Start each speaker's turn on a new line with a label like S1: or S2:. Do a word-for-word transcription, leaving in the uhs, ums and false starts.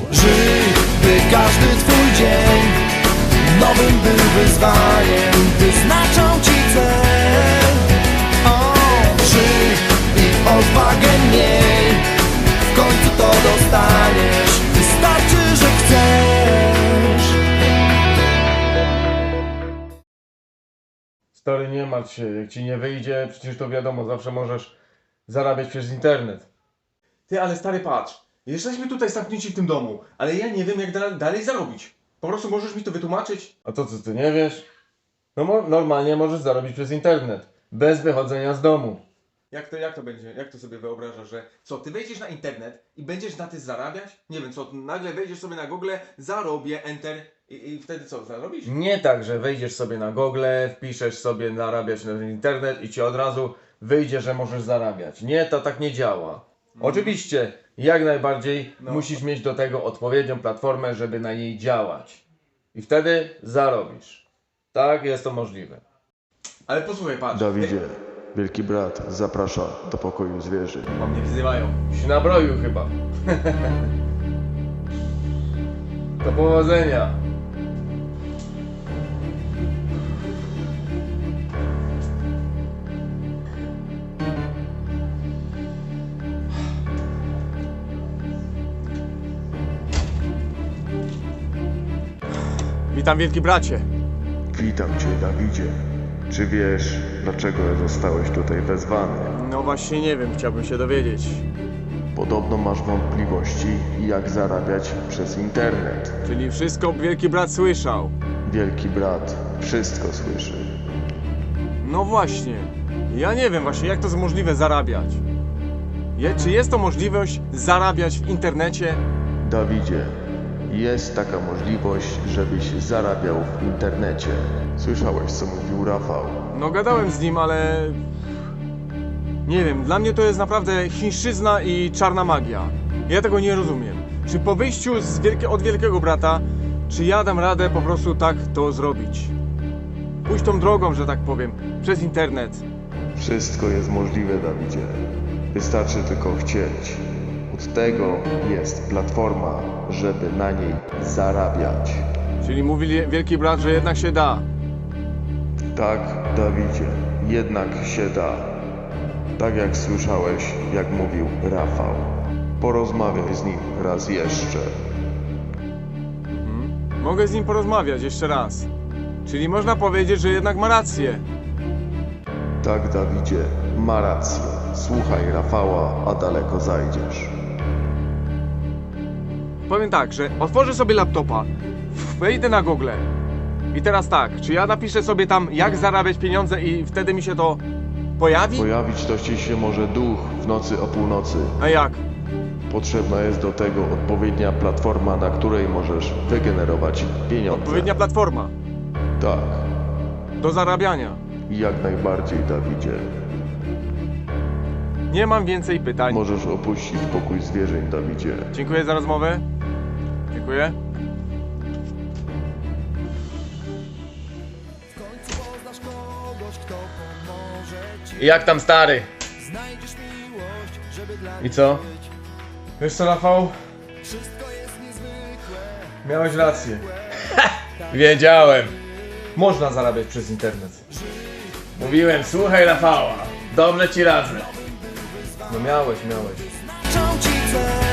S1: Żyj, by każdy twój dzień nowym był wyzwaniem, wyznaczą ci cel. O, żyj i odwagę miej, w końcu to dostaniesz, wystarczy, że chcesz.
S2: Stary, nie martw się, jak ci nie wyjdzie, przecież to wiadomo, zawsze możesz zarabiać przez internet.
S3: Ty, ale stary, patrz. Jesteśmy tutaj zamknięci w tym domu, ale ja nie wiem, jak da dalej zarobić. Po prostu możesz mi to wytłumaczyć?
S2: A to co, ty nie wiesz? No mo normalnie możesz zarobić przez internet, bez wychodzenia z domu.
S3: Jak to, jak to będzie? Jak to sobie wyobrażasz, że co, ty wejdziesz na internet i będziesz na tym zarabiać? Nie wiem, co, nagle wejdziesz sobie na Google, zarobię, enter i, i wtedy co, zarobisz?
S2: Nie tak, że wejdziesz sobie na Google, wpiszesz sobie zarabiać na internet i ci od razu wyjdzie, że możesz zarabiać. Nie, to tak nie działa. Oczywiście, jak najbardziej
S3: No.
S2: musisz mieć do tego odpowiednią platformę, żeby na niej działać. I wtedy zarobisz. Tak, jest to możliwe.
S3: Ale posłuchaj, patrz.
S4: Dawidzie, wielki brat zaprasza do pokoju zwierzy.
S3: Bo mnie wzywają.
S2: Się nabroił chyba. Do powodzenia.
S3: Witam, wielki bracie.
S4: Witam cię, Dawidzie. Czy wiesz, dlaczego zostałeś tutaj wezwany?
S3: No właśnie nie wiem, chciałbym się dowiedzieć.
S4: Podobno masz wątpliwości, jak zarabiać przez internet.
S3: Czyli wszystko wielki brat słyszał.
S4: Wielki brat wszystko słyszy.
S3: No właśnie. Ja nie wiem właśnie, jak to jest możliwe zarabiać. Je, czy jest to możliwość zarabiać w internecie?
S4: Dawidzie, jest taka możliwość, żebyś zarabiał w internecie. Słyszałeś, co mówił Rafał?
S3: No gadałem z nim, ale... Nie wiem, dla mnie to jest naprawdę chińszczyzna i czarna magia. Ja tego nie rozumiem. Czy po wyjściu z wielkie, od wielkiego brata, czy ja dam radę po prostu tak to zrobić? Pójść tą drogą, że tak powiem, przez internet.
S4: Wszystko jest możliwe, Dawidzie. Wystarczy tylko chcieć. Od tego jest platforma, żeby na niej zarabiać.
S3: Czyli mówi wielki brat, że jednak się da.
S4: Tak, Dawidzie, jednak się da. Tak jak słyszałeś, jak mówił Rafał. Porozmawiaj z nim raz jeszcze.
S3: Mogę z nim porozmawiać jeszcze raz. Czyli można powiedzieć, że jednak ma rację.
S4: Tak, Dawidzie, ma rację. Słuchaj Rafała, a daleko zajdziesz.
S3: Powiem tak, że otworzę sobie laptopa, wejdę na Google i teraz tak, czy ja napiszę sobie tam, jak zarabiać pieniądze i wtedy mi się to pojawi?
S4: Pojawić to ci się może duch w nocy o północy.
S3: A jak?
S4: Potrzebna jest do tego odpowiednia platforma, na której możesz wygenerować pieniądze.
S3: Odpowiednia platforma
S4: Tak,
S3: do zarabiania.
S4: jak najbardziej, Dawidzie.
S3: Nie mam więcej pytań.
S4: Możesz opuścić pokój zwierzeń, Dawidzie.
S3: Dziękuję za rozmowę. Dziękuję.
S1: W końcu poznasz kogoś, kto pomoże ci.
S2: I jak tam, stary?
S1: Znajdziesz miłość, żeby dla
S2: I co?
S1: być.
S2: Wiesz co, Rafał?
S1: Wszystko jest niezwykłe.
S2: Miałeś rację. Wiedziałem. Można zarabiać przez internet. Mówiłem, słuchaj Rafała. Dobrze ci radzę. No miałeś, miałeś.
S1: Znaczą ci cel.